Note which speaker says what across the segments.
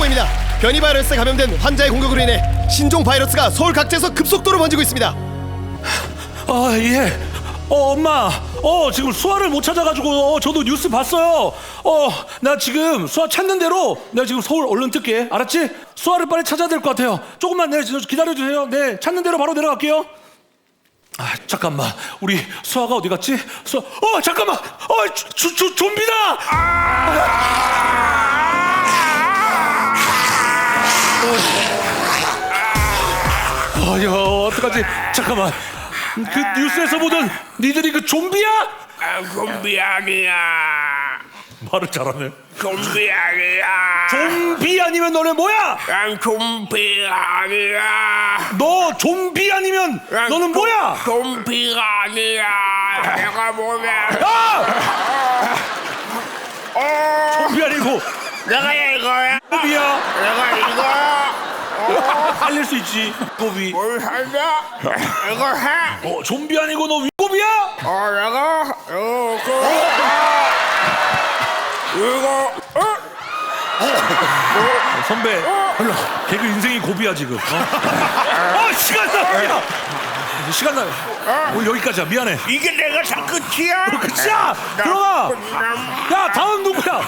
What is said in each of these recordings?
Speaker 1: 보입니다. 변이 바이러스에 감염된 환자의 공격으로 인해 신종 바이러스가 서울 각지에서 급속도로 번지고 있습니다.
Speaker 2: 예. 엄마. 지금 수아를 못 찾아가지고 저도 뉴스 봤어요. 나 지금 수아 찾는 대로 내가 지금 서울 얼른 뜰게. 알았지? 수아를 빨리 찾아야 될 것 같아요. 조금만 기다려주세요. 네, 찾는 대로 바로 내려갈게요. 잠깐만. 우리 수아가 어디 갔지? 잠깐만. 좀비다. 야, 어떡하지? 잠깐만. 그 뉴스에서 보던 니들이 그 좀비야?
Speaker 3: 좀비 아니야.
Speaker 2: 말을 잘하네.
Speaker 3: 좀비 아니야.
Speaker 2: 좀비 아니면 너네 뭐야?
Speaker 3: 난 좀비 아니야.
Speaker 2: 너 좀비 아니면 너는 뭐야?
Speaker 3: 좀비가 아니야. 내가 뭐냐?
Speaker 2: 좀비 아니고
Speaker 3: 내가 이거야.
Speaker 2: 좀비야.
Speaker 3: 내가 이거야.
Speaker 2: 살릴 수 있지. 위고비.
Speaker 3: 뭘 살려? 이거 해.
Speaker 2: 좀비 아니고 너 위고비야?
Speaker 3: 내가 이거
Speaker 2: 선배. 개그 인생이 고비야 지금. 시간 나. 시간 나. 오늘 여기까지야. 미안해.
Speaker 3: 이게 내가 다 끝이야?
Speaker 2: 끝이야. 들어가. 야, 다음 누구야?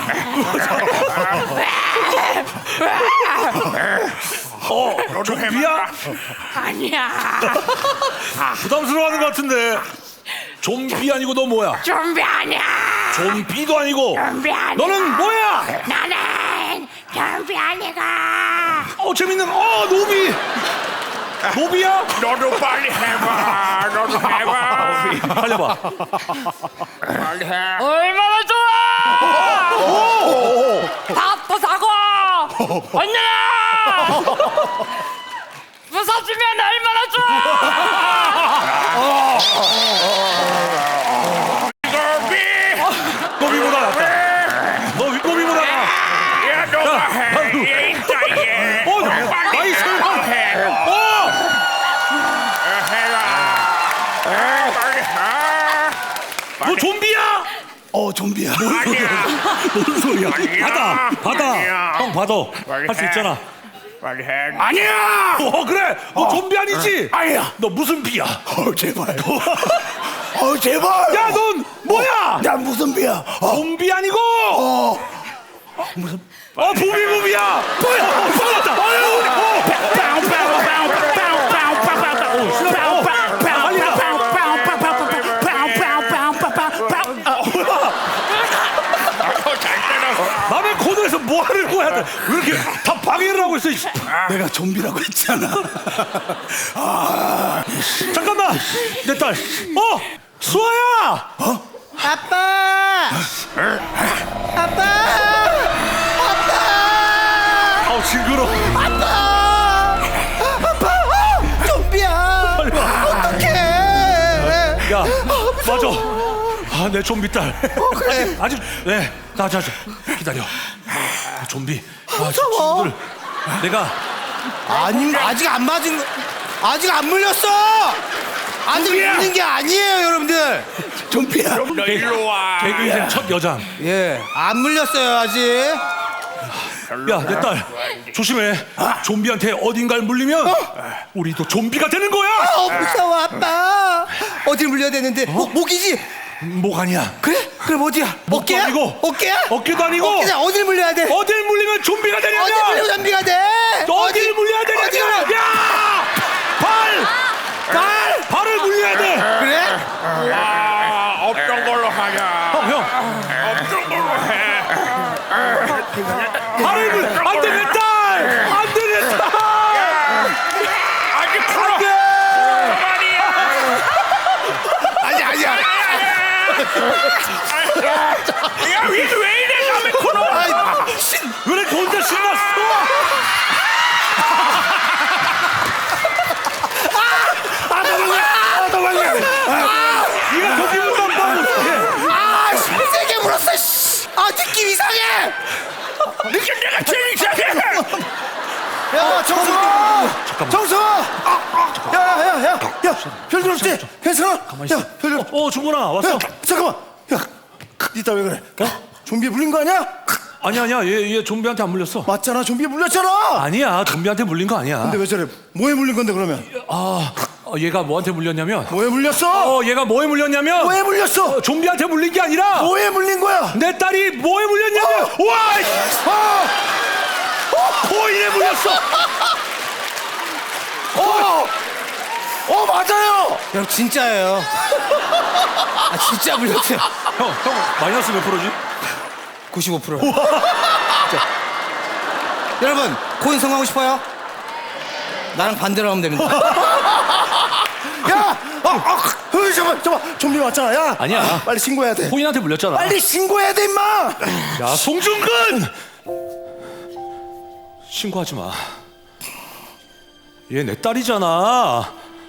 Speaker 2: 좀비야?
Speaker 4: 아니야.
Speaker 2: 부담스러워하는 것 같은데. 좀비 아니고 너 뭐야?
Speaker 4: 좀비 아니야.
Speaker 2: 좀비도 아니고.
Speaker 4: 좀비 아니야.
Speaker 2: 너는 뭐야?
Speaker 4: 나는 좀비 아니가.
Speaker 2: 재밌는. 노비. 노비야?
Speaker 3: 너도 빨리 해봐. 너도 해봐.
Speaker 2: 달려봐.
Speaker 3: 빨리 해.
Speaker 4: 얼마나 좋아. 밥도 사고 언니야 부서지면 얼마나 좋아.
Speaker 2: 노비보다 낫다. 너 윗고비보다 나.
Speaker 3: 야, 너가 해. 얘 있다, 얘.
Speaker 2: 나이 설마.
Speaker 3: 해라. 빨리 해.
Speaker 2: 너 좀비야?
Speaker 5: 좀비야.
Speaker 3: 아니야.
Speaker 2: 뭔 소리야?
Speaker 3: 아니야.
Speaker 2: 받아.
Speaker 3: 아니야.
Speaker 2: 형 받아.
Speaker 3: 빨리
Speaker 2: 할 수
Speaker 3: 해.
Speaker 2: 있잖아.
Speaker 3: 빨리 해.
Speaker 2: 아니야. 그래. 너 좀비 아니지?
Speaker 5: 아니야.
Speaker 2: 너 무슨 비야?
Speaker 5: 제발. 제발.
Speaker 2: 야, 넌 뭐야?
Speaker 5: 난 무슨 비야?
Speaker 2: 좀비 아니고. 무슨? 부비부비야. 뭐야? 쏟았다. 남의 코너에서 뭐 하는 거야? 왜 이렇게 다 방해를 하고 있어?
Speaker 5: 내가 좀비라고 했잖아.
Speaker 2: 잠깐만, 내 딸. 수아야.
Speaker 5: 아빠. 아빠.
Speaker 2: 징그러.
Speaker 5: 아빠. 좀비야.
Speaker 2: 빨리 와.
Speaker 5: 어떡해.
Speaker 2: 야, 맞아. 내 좀비 딸.
Speaker 5: 그래.
Speaker 2: 아직 네. 자, 기다려. 좀비.
Speaker 5: 무서워.
Speaker 2: 친구들. 내가
Speaker 5: 아니, 아직 안 맞은 거. 아직 안 물렸어. 아직
Speaker 2: 좀비야.
Speaker 5: 물린 게 아니에요, 여러분들. 좀비야.
Speaker 3: 너 일로 와.
Speaker 2: 개그 인생 첫 여장.
Speaker 5: 예, 안 물렸어요, 아직.
Speaker 2: 야, 내 딸 조심해. 좀비한테 어딘가를 물리면 우리도 좀비가 되는 거야.
Speaker 5: 무서워, 아빠. 어딜 물려야 되는데? 목이지?
Speaker 2: 목 아니야.
Speaker 5: 그래? 그럼 어디야?
Speaker 2: 목도
Speaker 5: 어깨야?
Speaker 2: 아니고.
Speaker 5: 어깨야?
Speaker 2: 어깨도 아니고.
Speaker 5: 어깨야? 어딜 물려야 돼?
Speaker 2: 어딜 물리면 좀비가
Speaker 5: 어딜
Speaker 2: 되냐면.
Speaker 5: 물리면 좀비가 돼?
Speaker 2: 어딜 물려야
Speaker 5: 어디가?
Speaker 2: 되냐면. 야! 발을 물려야 돼.
Speaker 5: 그래?
Speaker 3: 없던 걸로 하자.
Speaker 2: 형.
Speaker 3: 없던 걸로 해.
Speaker 2: 발을 물려. 안 돼, 내 딸. 안 돼, 내 딸.
Speaker 3: 아직 풀어. 말이야.
Speaker 5: 아니야.
Speaker 3: 야, 왜 이래, 남의 코너.
Speaker 2: 왜 이렇게 혼자 신났어?
Speaker 5: 도망가.
Speaker 2: 네가 거기 문단다고.
Speaker 5: 세게 물었어. 느낌 이상해.
Speaker 3: 느낌 내가 제일 이상해.
Speaker 5: 야, 정수. 정수. 야, 별일 없지? 괜찮아?
Speaker 2: 가만히 있어.
Speaker 5: 야, 별일 없.
Speaker 2: 중근아 왔어.
Speaker 5: 야, 잠깐만. 야, 이따 왜 그래? 좀비 물린 거 아니야?
Speaker 2: 아니야 얘 좀비한테 안 물렸어.
Speaker 5: 맞잖아, 좀비에 물렸잖아.
Speaker 2: 아니야 좀비한테 물린 거 아니야.
Speaker 5: 근데 왜 저래? 뭐에 물린 건데 그러면?
Speaker 2: 얘가 뭐한테 물렸냐면
Speaker 5: 뭐에 물렸어?
Speaker 2: 얘가 뭐에 물렸냐면
Speaker 5: 뭐에 물렸어?
Speaker 2: 좀비한테 물린 게 아니라
Speaker 5: 뭐에 물린 거야?
Speaker 2: 내 딸이 뭐에 물렸냐면 와 코인에 물렸어.
Speaker 5: 맞아요. 형 진짜예요. 진짜 물렸어요.
Speaker 2: 형 마이너스 몇 프로지?
Speaker 5: 95%. 여러분 코인 성공하고 싶어요? 나랑 반대로 하면 됩니다. 야, 잠깐만, 좀비 왔잖아. 야,
Speaker 2: 아니야.
Speaker 5: 빨리 신고해야 돼.
Speaker 2: 코인한테 물렸잖아.
Speaker 5: 빨리 신고해야 돼, 임마.
Speaker 2: 야 송중근 신고하지 마. 얘 내 딸이잖아.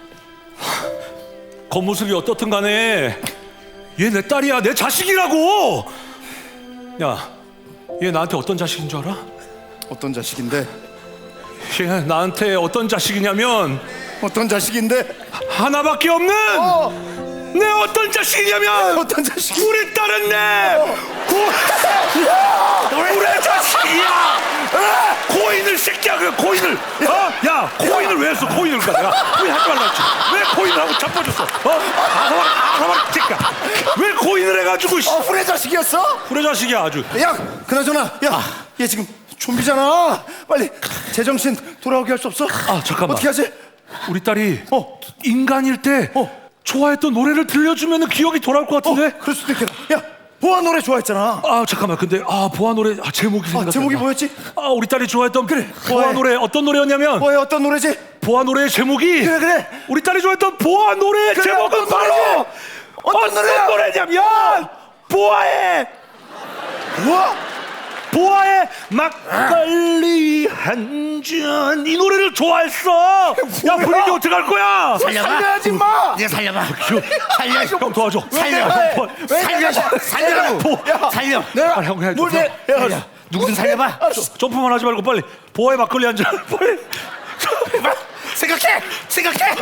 Speaker 2: 겉모습이 어떻든 간에 얘 내 딸이야. 내 자식이라고. 야, 얘 나한테 어떤 자식인 줄 알아?
Speaker 5: 어떤 자식인데?
Speaker 2: 얘 나한테 어떤 자식이냐면
Speaker 5: 어떤 자식인데?
Speaker 2: 하나밖에 없는 내 어떤 자식이냐면
Speaker 5: 어떤 자식?
Speaker 2: 우리 딸은 내 우리 자식이야. 코인을 새끼야. 그 코인을 야 코인을 왜 했어? 코인을 내가 코인 하지 말라 했지. 왜 코인을 하고 자빠졌어? 아사막 새끼야. 왜 코인을 해가지고
Speaker 5: 후레 자식이었어?
Speaker 2: 후레 자식이야 아주.
Speaker 5: 야, 그나저나, 야, 얘 지금 좀비잖아. 빨리 제정신 돌아오게 할 수 없어?
Speaker 2: 잠깐만.
Speaker 5: 어떻게 하지?
Speaker 2: 우리 딸이 인간일 때 좋아했던 노래를 들려주면 기억이 돌아올 것 같은데?
Speaker 5: 그럴 수도 있겠다. 야, 보아 노래 좋아했잖아.
Speaker 2: 잠깐만. 근데 보아 노래 제목이 생각나.
Speaker 5: 제목이 뭐였지?
Speaker 2: 우리 딸이 좋아했던 보아
Speaker 5: 보아의-
Speaker 2: 노래 어떤 노래였냐면
Speaker 5: 보아의 어떤 노래지?
Speaker 2: 보아 노래의 제목이
Speaker 5: 그래.
Speaker 2: 우리 딸이 좋아했던 보아 노래의 제목은
Speaker 5: 어떤
Speaker 2: 바로
Speaker 5: 노래지? 어떤 노래야?
Speaker 2: 노래냐면 보아의 보아의 막걸리 한 잔 이 노래를 좋아했어. 야 분위기 어떡할 거야?
Speaker 5: 살려야지, 임마.
Speaker 3: 이제 살려봐.
Speaker 2: 살려. 형 도와줘.
Speaker 3: 살려. 살려라고. 살려.
Speaker 5: 내가
Speaker 2: 형 그냥
Speaker 5: 뭘 내? 야,
Speaker 3: 누구든 살려봐.
Speaker 2: 점프만 하지 말고 빨리 보아의 막걸리 한 잔 빨리.
Speaker 3: 생각해.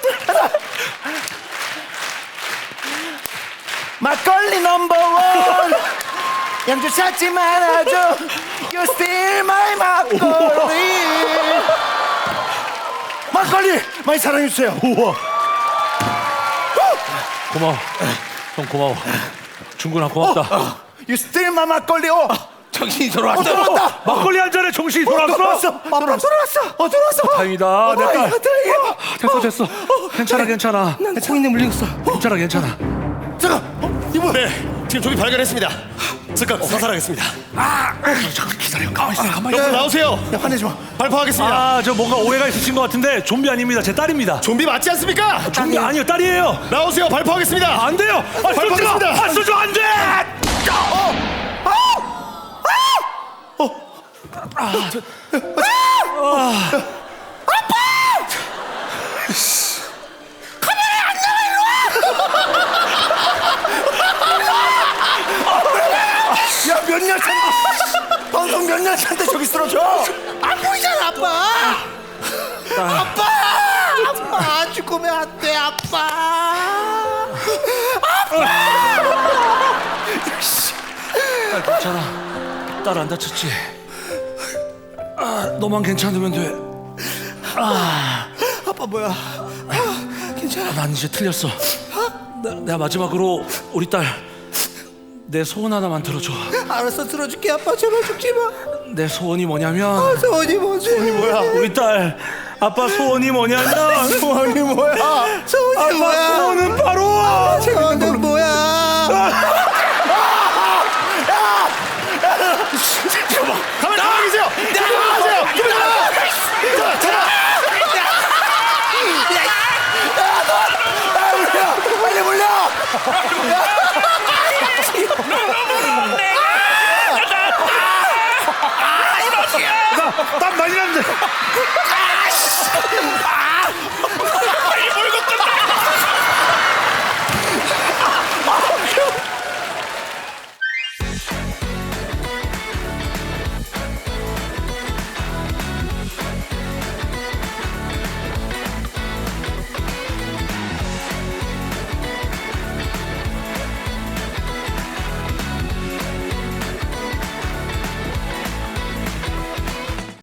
Speaker 5: 막걸리 넘버원. 양주 찾지 말아줘. You still my 막걸리. 막걸리 많이 사랑해주세요.
Speaker 2: 우와. 고마워. 형 고마워. 중근아 고맙다.
Speaker 5: You still my 막걸리.
Speaker 3: 정신이 돌아왔어.
Speaker 5: 돌아왔다.
Speaker 2: 막걸리 한 잔에 정신이 돌아왔어.
Speaker 5: 돌아왔어.
Speaker 2: 다행이다. 내 딸.
Speaker 5: 다행이야.
Speaker 2: 됐어. 괜찮아.
Speaker 5: 난 코인에 물렸어.
Speaker 2: 괜찮아.
Speaker 5: 잠깐, 이분.
Speaker 1: 네, 지금 좀비 발견했습니다. 즉각 사살하겠습니다.
Speaker 2: 잠깐 기다려. 가만히 있어.
Speaker 1: 여러분 나오세요.
Speaker 5: 야, 화내지 마.
Speaker 1: 발포하겠습니다.
Speaker 2: 저 뭔가 오해가 있으신 것 같은데 좀비 아닙니다. 제 딸입니다.
Speaker 1: 좀비 맞지 않습니까?
Speaker 2: 좀비 아니요, 딸이에요.
Speaker 1: 나오세요. 발포하겠습니다.
Speaker 2: 안 돼요.
Speaker 1: 발포하겠습니다.
Speaker 2: 쏘지 안 돼.
Speaker 5: 야, 몇 년 차인데 방송 몇 년 차인데 저기 쓰러져. 안 보이잖아, 아빠. 아빠 죽으면 안 돼, 아빠.
Speaker 2: 괜찮아. 딸 안 다쳤지? 너만 괜찮으면 돼.
Speaker 5: 아빠 뭐야? 괜찮아.
Speaker 2: 난 이제 틀렸어. 내가 마지막으로 우리 딸 내 소원 하나만 들어줘.
Speaker 5: 알았어, 들어줄게. 아빠 제발 죽지 마.
Speaker 2: 내 소원이 뭐냐면
Speaker 5: 소원이 뭐지? 소원이 뭐야?
Speaker 2: 우리 딸 아빠 소원이 뭐냐면
Speaker 5: 소원이 뭐야? 소원이
Speaker 2: 아빠
Speaker 5: 뭐야?
Speaker 2: 소원은 바로
Speaker 5: 소원은 뭐야?
Speaker 1: 가만히 나와 계세요.
Speaker 5: 빨리 물려!
Speaker 2: 땀 많이 났는데.